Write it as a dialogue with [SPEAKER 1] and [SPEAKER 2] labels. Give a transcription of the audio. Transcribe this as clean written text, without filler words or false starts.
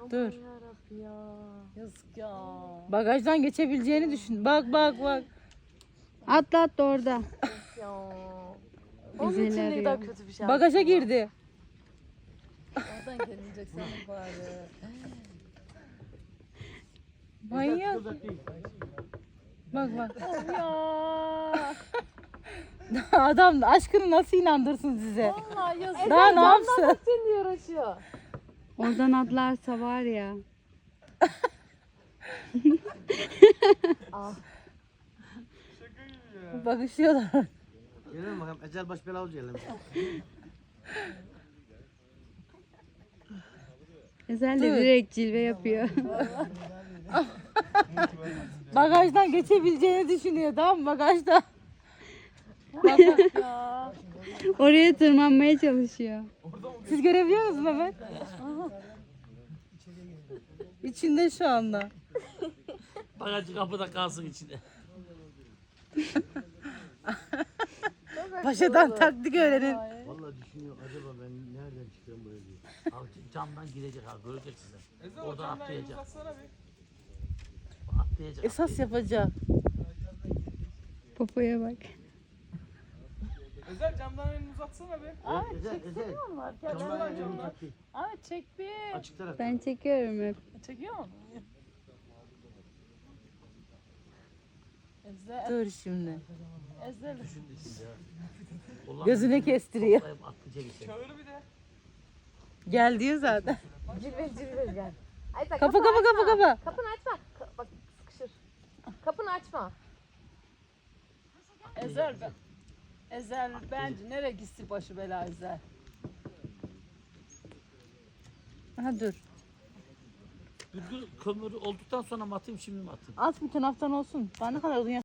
[SPEAKER 1] Dur.
[SPEAKER 2] Yarabbim ya. Yazık ya.
[SPEAKER 1] Bagajdan geçebileceğini düşün. Bak bak bak.
[SPEAKER 3] Atla atla orada.
[SPEAKER 2] Ya. Onun
[SPEAKER 3] Güzel
[SPEAKER 2] için ne
[SPEAKER 3] arıyor.
[SPEAKER 2] kadar kötü bir şey.
[SPEAKER 1] Bagaja girdi.
[SPEAKER 2] Oradan gelinecek senin bari.
[SPEAKER 1] Manyak. Bak bak.
[SPEAKER 2] Ya.
[SPEAKER 1] Adam aşkını nasıl inandırsın size?
[SPEAKER 2] Vallahi yazık.
[SPEAKER 1] Daha ne yapsın?
[SPEAKER 2] Sen diye uğraşıyor.
[SPEAKER 3] Oradan atlarsa var ya.
[SPEAKER 2] Ah.
[SPEAKER 1] Bakışıyorlar.
[SPEAKER 4] Gelelim bakalım. Ecel baş bela olacak gelelim.
[SPEAKER 3] Ezel de
[SPEAKER 1] Dur.
[SPEAKER 3] direkt cilve yapıyor.
[SPEAKER 1] Bagajdan geçebileceğini düşünüyor, tamam mı? Bagajda.
[SPEAKER 2] Bak ya.
[SPEAKER 3] Oraya tırmanmaya çalışıyor.
[SPEAKER 1] Siz görebiliyor musunuz Mehmet? İçinde şu anda.
[SPEAKER 5] Bagajı kapıda kalsın içinde.
[SPEAKER 1] Paşadan taktik öğrenin.
[SPEAKER 4] Vallahi düşünüyor acaba ben nereden çıkıyorum buraya diye.
[SPEAKER 5] Abi camdan girecek abi görecek size. Oradan atlayacak. Atlayacak.
[SPEAKER 1] Esas yapacak.
[SPEAKER 3] Popoya bak.
[SPEAKER 6] Özel camdan elini uzatsana be.
[SPEAKER 4] Ezel. Camdan elini çekti.
[SPEAKER 2] Ahmet çek bir.
[SPEAKER 4] Açık taraf.
[SPEAKER 3] Ben çekiyorum hep.
[SPEAKER 2] Çekiyor musun? Ezel.
[SPEAKER 1] Dur şimdi.
[SPEAKER 2] Ezel.
[SPEAKER 5] Ulan
[SPEAKER 1] Gözüne kestiriyor.
[SPEAKER 5] atlayacak işte.
[SPEAKER 6] Çağır bir de.
[SPEAKER 1] Gel diyor zaten.
[SPEAKER 2] Cilve gel. Ayza,
[SPEAKER 1] Kapa kapa kapa kapa.
[SPEAKER 2] Kapını açma. Bak sıkışır. Kapını açma. Ezel ben. Ezel bence nereye gitsin başı bela Ezel.
[SPEAKER 1] Ha dur.
[SPEAKER 5] Kömür olduktan sonra mı atayım şimdi mi atayım?
[SPEAKER 1] At bir taraftan olsun. Daha ne kadar uzun